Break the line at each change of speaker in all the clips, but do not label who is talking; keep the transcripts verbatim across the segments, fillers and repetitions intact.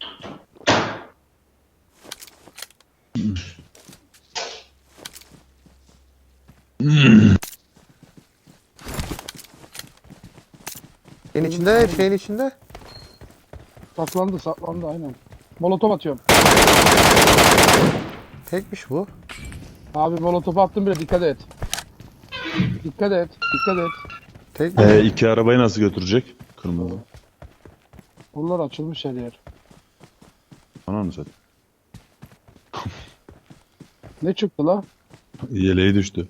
Şeyin içinde, şeyin içinde.
Saklandı saklandı aynen. Molotof atıyorum.
Tekmiş bu.
Abi molotof attım bile, dikkat et. Dikkat et. Dikkat et.
Tek
Ee, iki arabayı nasıl götürecek? Kırmızı.
Buralar açılmış her yer.
Tamam mı zaten?
Ne çıktı la?
Yeleği düştü.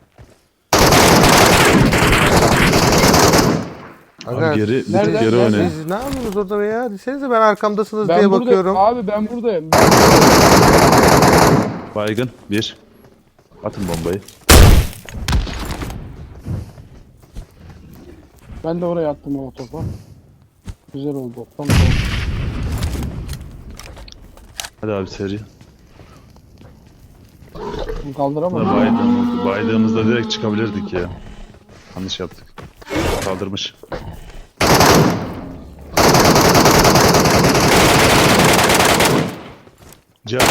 Aga,
Abi geri, bir tık
Nereden-
geri
nereden?
oynayın.
siz ne yapıyorsunuz orada be ya? Desenize ben arkamdasınız
Ben
diye
buradayım.
bakıyorum.
Abi ben buradayım. Ben...
Baygın. Bir. Atın bombayı.
Ben de oraya attım molotofu. Güzel oldu. Tam oldu.
Hadi abi seri.
Kaldıramadım.
Baydığımızda, baydığımızda direkt çıkabilirdik ya. Yanlış yaptık. Kaldırmış. Cihat.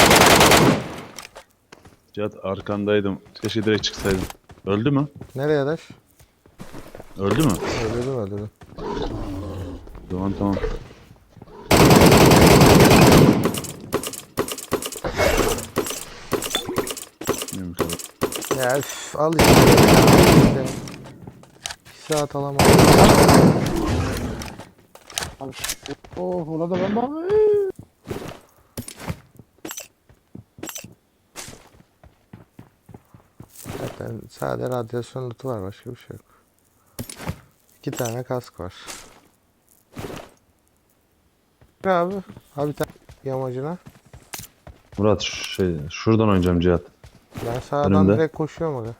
Cihat arkandaydım. Keşke direkt çıksaydım. Öldü mü?
Nereye adaş?
Öldü mü?
Öldürdüm öldürdüm.
O zaman tamam. Bilmiyorum kadar.
Ya üf, al işte. işte. Bir saat alamadım.
Oh, ona da ben bak.
Zaten sadece radyasyon lootu var, başka bir şey yok. İki tane kask var. Ne abi? Abi bir tane yamacına.
Murat şey şuradan oynayacağım Cihat.
Ben sağdan
Önümde.
direkt koşuyorum aga.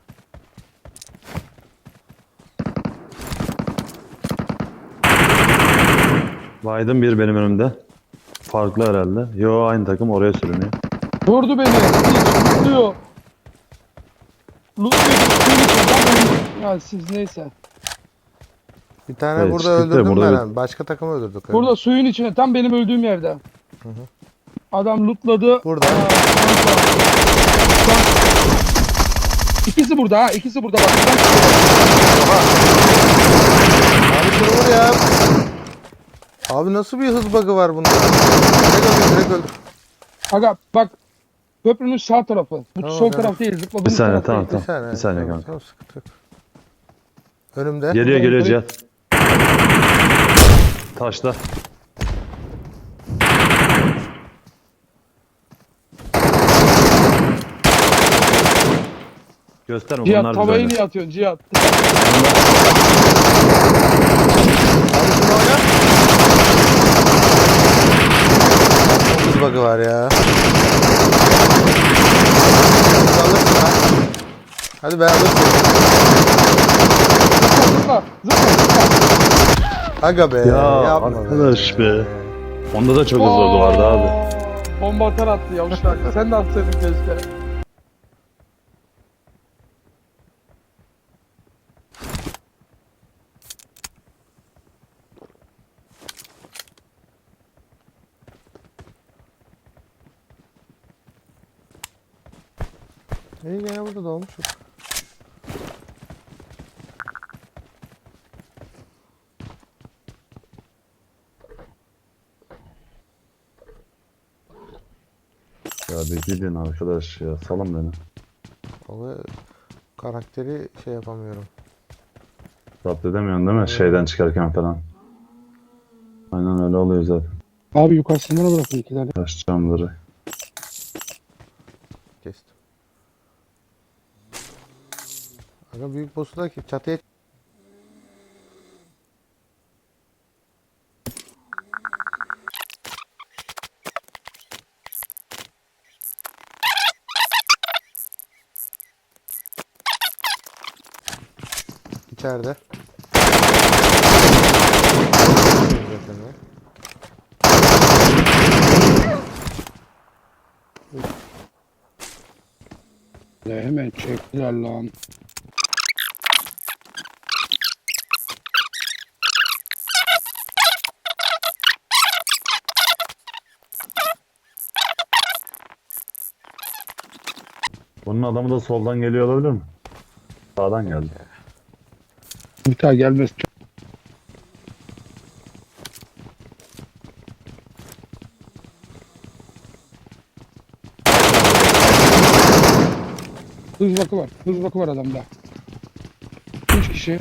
Biden bir benim önümde. Farklı herhalde. Yo aynı takım oraya sürünüyor.
Vurdu beni. Hiç lootluyor. Lootluyor. Ya siz neyse.
Bir tane
Evet,
burada
çıktık da
öldürdüm
burada
ben. Başka takımı öldürdük.
Burada suyun içine, tam benim öldüğüm yerde.
Hı hı.
Adam lootladı.
Burada.
Aa, kanka. Bak. İkisi burada ha. İkisi burada bak.
Abi şunu vur ya. Abi nasıl bir hız bug'ı var bunda? Direkt öldür, direkt öldür.
Aga bak. Köprünün sağ tarafı. Bu
Tamam,
sol
tamam.
taraf değil. Zıpladığımız
Bir saniye
taraf
tamam
değil.
tamam.
Bir saniye.
Bir saniye
tamam,
kanka.
tamam, sıkıntı yok. Önümde.
Geliyor geliyor
Yukarı-
Cihat. Taşla. Gösterme bunlar
Cihat tavayı
bizden.
niye atıyorsun Cihat?
Abi şunu oyna. Çok hız bug'ı var ya. Alırsın lan. Hadi be alırsın.
Zıpla zıpla zıpla zıpla.
Aga be.
Ya
yapma
arkadaş be. Onda da çok hızlı vardı abi.
Bomba atar attı yavşak. Sen de atsaydın keşke.
İyi gene burada dolmuşum.
Ya bir gidin arkadaş ya salın beni.
Vallahi karakteri şey yapamıyorum.
Zapt edemiyorsun değil mi? Şeyden çıkarken falan. Aynen öyle oluyor zaten.
Abi yukarısından bırakın iki tane.
Taş camları.
Kestim. Aga büyük boss'u da ki çatıya içeride.
Ya hemen çektiler lan.
Bunun adamı da soldan geliyor olabilir mi? Sağdan geldi.
Bir daha gelmez. Hız bakı var. Hız bakı var adamda. Üç kişi.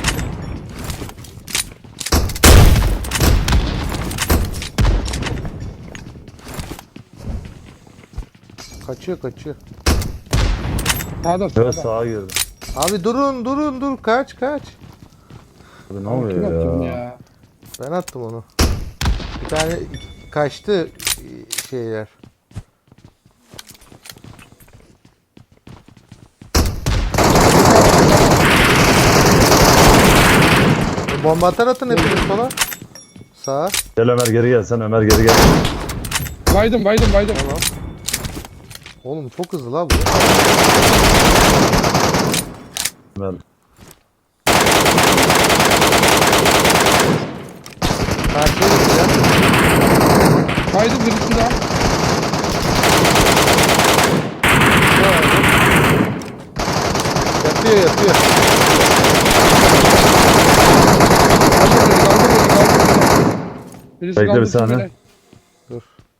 Kaçıyor kaçıyor.
Sağda sağda.
Evet sağa girdi.
Abi durun durun dur kaç kaç.
Abi ne
Kim
oluyor
attın
ya?
ya?
Ben attım onu. Bir tane kaçtı şeyler. Bomba atar atın hepiniz sola. Sağa.
Gel Ömer geri gel sen Ömer geri gel.
Baydım baydım baydım.
Tamam. Oğlum çok hızlı la bu.
Ömer.
Karşıya gideceğim.
Baydım birisi daha.
Yatıyor yatıyor.
Birisi
Bekle bir
kaldı,
saniye.
birisi
Dur.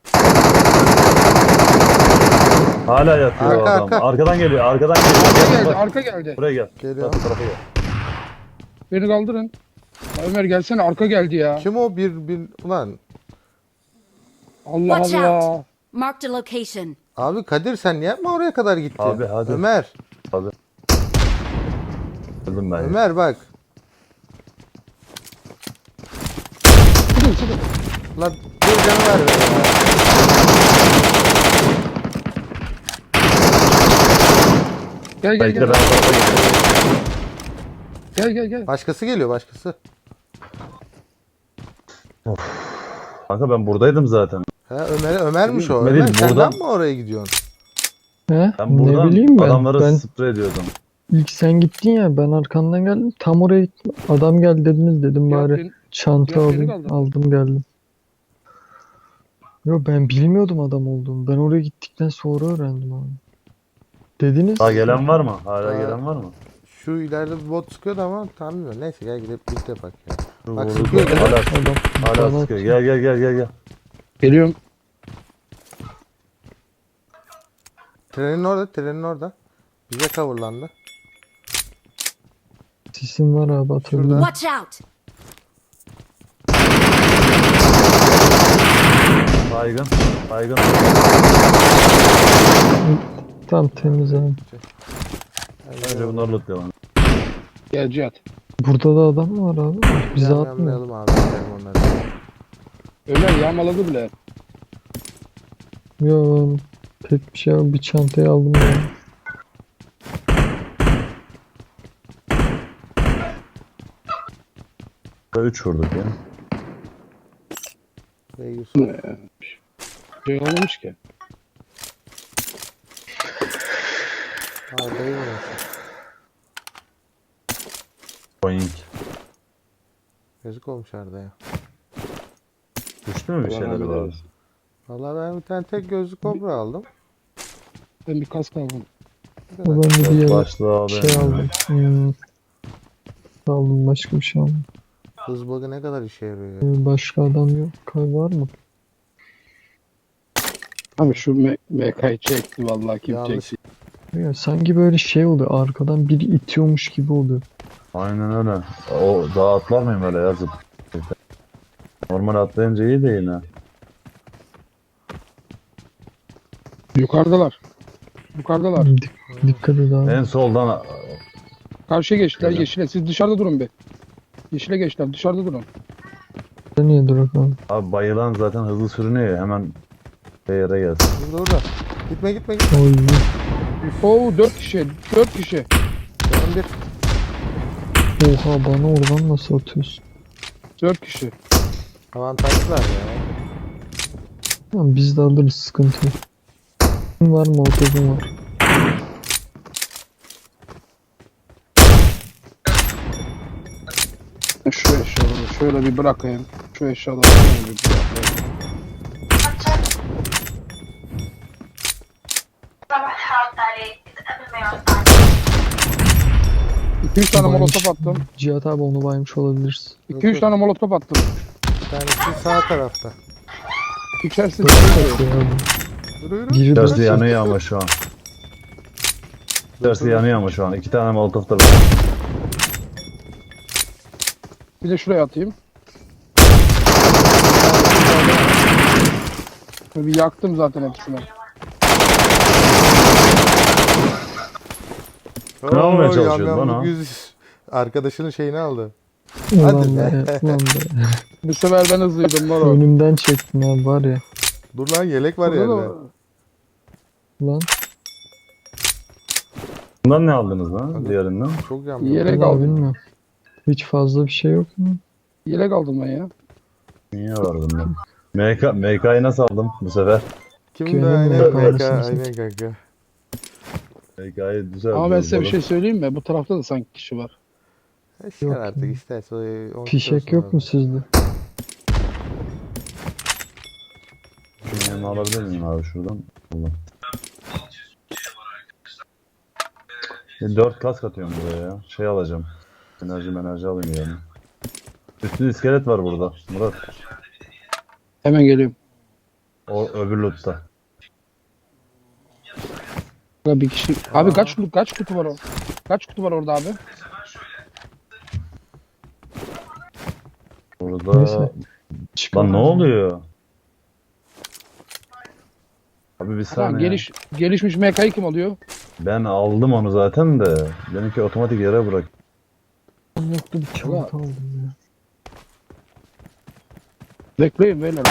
Hala yatıyor
Arka,
adam.
arka.
Arkadan geliyor arkadan geliyor.
Arka
Gel,
geldi,
bak.
arka geldi.
Buraya gel.
Geliyor.
Bak, bu tarafa gel.
Beni kaldırın. Ya Ömer gelsene, arka geldi ya.
Kim o bir bir ulan?
Allah
Watch
Allah.
Marked a location.
Abi Kadir sen niye yapma oraya kadar gitti?
Abi, hadi.
Ömer.
Abi. Öldüm ben. ya.
Ömer bak.
Sıkın sıkın.
Lan bir canı ver be ya.
Gel gel
Bekle
gel.
ben tarafa geliyorum.
Gel gel gel.
Başkası geliyor başkası.
Kanka ben buradaydım zaten.
Ha Ömer Ömermiş o.
Ömer
Ömer
değil,
sen
buradan-
lan mı oraya gidiyorsun?
He?
Ben buradan
Ne bileyim ben.
adamları
Ben
sprey ediyordum.
ilk sen gittin ya ben arkandan geldim. Tam oraya gittim. Adam geldi dediniz dedim
Ya
bari
ben-
çanta
ya beni
alayım.
kaldırdın.
Aldım geldim. Yo ben bilmiyordum adam olduğunu. Ben oraya gittikten sonra öğrendim abi. Dediniz.
Daha gelen var mı? Hala
Aa.
gelen var mı?
Şu ileride bir bot sıkıyordu ama tam bilmiyorum. Neyse gel gidip birlikte bak ya.
Dur,
Bak,
vurdu.
sıkıyor gene.
Hala,
Adam
hala
bana
sıkıyor. Gel gel gel gel gel.
Geliyorum.
Trenin orada, trenin orada. Bize coverlandı.
sisim var abi atabilirim.
Şurada.
Watch out!
Baygın. Baygın.
Tam temiz abi.
Önce bunları lootlayalım.
Gel Cihat.
Burada da adam var abi. Bize atmıyor.
Yanmayalım abi. gidelim onları.
Ömer yağmaladı bile.
Yo ben pek bir şey yok. Bir çantayı aldım ya.
üç vurduk ya.
Ve Yusuf.
Şey olmamış ki.
Arda'yı vurmuş.
Boing.
Yazık olmuş Arda'ya.
Düştü mü bir
Allah
şeyler
rahmet
var?
eylesin.
Vallahi ben bir tane tek gözlü kobra aldım.
Ben bir kask aldım.
Bu kadar.
Ben de bir yere
Başlığı abi.
şey aldım. Hmm. Aldım başka bir şey aldım.
Hız bug'ı ne kadar işe yarıyor ya.
Ee, Başka adam yok. Kay var mı?
Abi şu M- MK'yı çekti vallahi kim
Yanlış.
çekti.
Ya sanki böyle şey oluyor. Arkadan biri itiyormuş gibi oluyor.
Aynen öyle. O daha atlar mıyım öyle yazıp? Normal atlayınca iyi de yine.
Yukarıdalar. Yukarıdalar.
Dik- dikkat et abi.
En soldan
Karşıya geçtiler
Evet.
yeşile. Siz dışarıda durun bir. Yeşile geçtiler dışarıda durun.
Niye durak abi?
abi bayılan zaten hızlı sürünüyor ya, hemen bir yere gelsin.
Burada orada. Gitme gitme gitme.
Oy.
Oo dört kişi. Dört kişi.
Canım bir.
Oha bana oradan nasıl atıyorsun?
Dört kişi.
Avantajlılar ya.
Tamam biz de alırız sıkıntı yok. Var mı otobün var.
Şu eşyaları şöyle bir bırakayım. Şu eşyaları şöyle bir bırakayım.
صباح حاط عليك
iki üç tane
Baymış.
molotof attım.
Cihat abi onu baymış olabiliriz.
iki üç tane molotof attım.
Bir tanesi sağ tarafta.
İçerisi
Bakıyor abi.
Yürü yürü.
Biri
İçerisi
de
yanıyor ama şu an. İçerisi yanıyor ama şu an. İki tane molotof da var.
bir de şuraya atayım. Bir yaktım zaten hepsini.
Ne olmaya
Oo,
çalışıyorsun
yam yam
lan o?
yüz- Arkadaşının şeyini aldı.
Ulan
Hadi
be.
be.
Ulan be.
Bu sefer ben hızlıydım moro.
Önümden çektin abi var ya.
Dur lan yelek var
Burada
yerde.
da-
Ulan.
Bundan ne aldınız lan
Hadi.
diğerinden?
Çok yam
Yelek
yam.
Vallahi
aldım.
bilmiyorum. Hiç fazla bir şey yok mu?
Yelek aldım ben ya.
Niye var bundan? M K, M K'yı nasıl aldım bu sefer?
Kim de
Köyünün
aynen
de
M K
kahretsin
aynen kanka.
M K'yı güzel.
Ama ben size bir
buldum.
şey söyleyeyim mi? Bu tarafta da sanki kişi var.
Eşler
Yok
artık
ya.
isterse o- onu
Fişek
tutarsan
yok
abi.
mu sizde?
Şunun yanına alabilir miyim abi şuradan? Allah. E, dört kask atıyorum buraya ya. Şey alacağım. Enerji enerji alayım yani. Üstü iskelet var burada. Murat.
Hemen geliyorum.
O öbür lootta.
Burada bir kişi. Abi kaç kutu kaç kutu var o? Kaç kutu var orada abi?
Burada...
Neyse. Çıkar
Lan ne
abi.
oluyor? Abi bir
Tamam,
saniye.
geliş, gelişmiş M K'yı kim alıyor?
Ben aldım onu zaten de. Benimki otomatik yere bırak.
Yoktu bir çanta aldım ya.
Bekleyin beyler.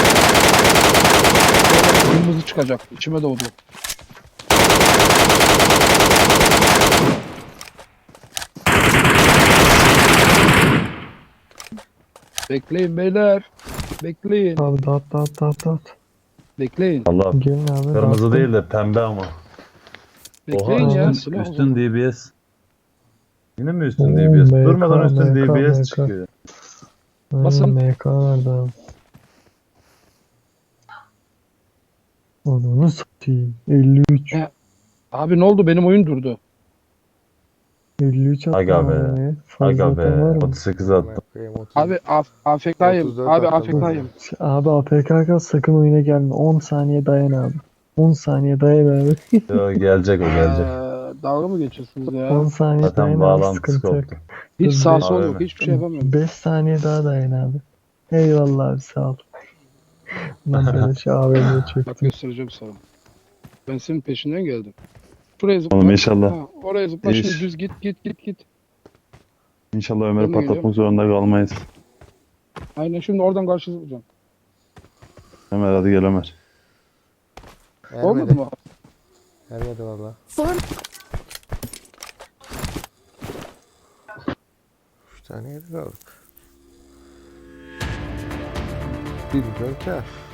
Kırmızı çıkacak. İçime doğdu. Bekleyin beyler. Bekleyin.
Abi dağıt dağıt dağıt dağıt.
Bekleyin.
Allah.
Gelin abi.
Kırmızı
dağıttım.
değil de pembe ama.
Bekleyin
Oha
ya.
üstün,
Silah
üstün
oldu.
D B S. Yine mi üstün
Oo,
D B S?
M K,
Durmadan üstün
M K,
D B S
M K.
çıkıyor.
Aynen,
Basın.
M K nerede abi? Onu satayım. elli üç.
He. Abi ne oldu? Benim oyun durdu.
elli üç attım
Aga be.
abi. Fazla
Aga be.
atan var mı?
otuz sekiz attım.
Bakayım, otuz.
Abi af AFK'yım.
otuz dört
Abi
attım.
AFK'yım.
Abi A P K kal sakın oyuna gelme. on saniye dayan abi. on saniye dayan abi.
Yo, gelecek o gelecek.
Ee, dalga mı geçiyorsunuz
on
ya?
saniye dayan
Zaten
abi,
bağlantısı
sıkıntı yok.
koptu.
Hiç sağ sol
Abi
yok.
mi?
Hiçbir şey yapamıyorum.
beş saniye daha dayan abi. Eyvallah abi sağ ol. Lan böyle şey A V M'ye
Bak
çektim.
göstereceğim sana. Ben senin peşinden geldim. Şuraya zıpla.
Oğlum inşallah.
Ha, oraya zıpla.
İyi
Şimdi
iş.
düz git git git git.
İnşallah
Ben de
Ömer'i patlatmak
geliyorum.
zorunda kalmayız.
Aynen şimdi oradan karşı zıplayacağım.
Ömer hadi gel Ömer.
Olmadı
Ermedi.
mı?
Ermedi valla.
Form
Üç tane yelek aldık. Bir milyon kar.